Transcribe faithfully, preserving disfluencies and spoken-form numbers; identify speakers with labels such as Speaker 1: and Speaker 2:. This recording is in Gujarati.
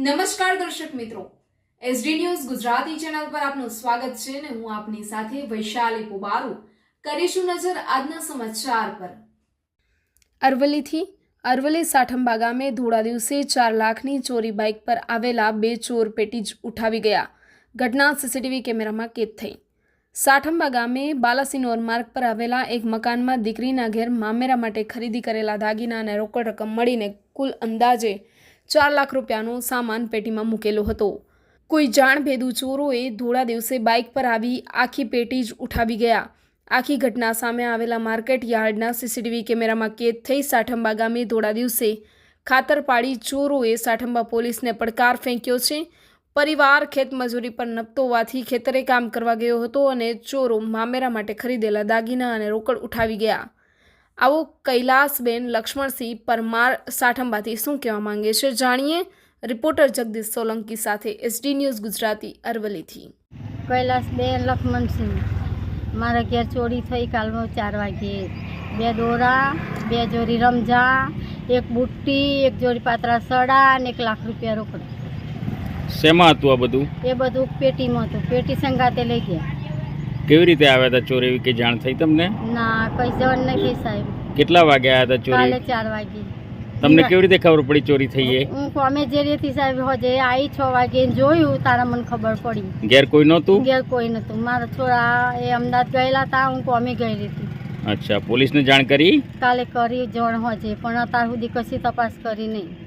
Speaker 1: નમસ્કાર દર્શક મિત્રો, એસડી ન્યૂઝ ગુજરાતી ચેનલ પર આપનું સ્વાગત છે ને હું આપની સાથે વૈશાલી પોબારુ કરીશું નજર આજના સમાચાર પર। અરવલ્લીથી અરવલ્લી સાઠંબા ગામે ધોળા દિવસે ચાર લાખની ચોરી બાઇક પર આવેલા બે ચોર પેટીજ ઉઠાવી ગયા। ઘટના સીસીટીવી કેમેરામાં કેદ થઈ। સાઠંબા ગામે બાલાસિનોર માર્ગ પર આવેલા એક મકાનમાં દીકરીના ઘેર મામેરા માટે ખરીદી કરેલા દાગીના અને રોકડ રકમ મળીને કુલ અંદાજે ચાર લાખ રૂપિયાનો સામાન પેટીમાં મૂકેલો હતો। કોઈ જાણભેદુ ચોરોએ ધોળા દિવસે બાઇક પર આવી આખી પેટી જ ઉઠાવી ગયા। આખી ઘટના સામે આવેલા માર્કેટ યાર્ડના સીસીટીવી કેમેરામાં કેદ થઈ। સાઠંબા ગામે ધોળા દિવસે ખાતર પાડી ચોરોએ સાઠંબા પોલીસને પડકાર ફેંક્યો છે। પરિવાર ખેતમજૂરી પર નપતો હોવાથી ખેતરે કામ કરવા ગયો હતો અને ચોરો મામેરા માટે ખરીદેલા દાગીના અને રોકડ ઉઠાવી ગયા। આવો કૈલાસબેન લક્ષ્મણસિંહ પરમાર સાઠંબાથી શું કહેવા માંગે છે, જાણીએ। રિપોર્ટર જગદીશ સોલંકી સાથે એસડી ન્યૂઝ ગુજરાતી અરવલ્લીથી।
Speaker 2: કૈલાસબેન લક્ષ્મણસિંહ, મારા ઘેર ચોરી થઈ કાલમાં ચાર વાગે। બે દોરા, બે જોડી રમઝા, એક બુટ્ટી, એક જોડી પાતળા સડા અને એક લાખ રૂપિયા રોકડ।
Speaker 3: શેમાં હતું આ બધું?
Speaker 2: એ બધું પેટીમાં હતું। પેટી સંગાતે લઈ ગયા।
Speaker 3: કેવી રીતે આવ્યા હતા ચોર, એવી કઈ જાણ થઈ તમને?
Speaker 2: ના, કઈ જણ નહીં સાહેબ।
Speaker 3: કેટલા વાગે આવ્યા હતા ચોરી?
Speaker 2: કાલે ચાર વાગે।
Speaker 3: તમને કેવી રીતે ખબર પડી ચોરી થઈ એ?
Speaker 2: હું કોમે જે રેતી સાહેબ હોજે આવી છ વાગે જોયું, તારા મને ખબર પડી।
Speaker 3: ઘેર કોઈ નહોતું?
Speaker 2: ઘેર કોઈ નહોતું। મારા છોરા એ અમદાવાદ ગયેલા હતા, હું કોમે ગઈ હતી।
Speaker 3: અચ્છા, પોલીસને જાણ કરી?
Speaker 2: કાલે કરી જણ હોજે, પણ અત્યાર સુધી કશી તપાસ કરી નહીં।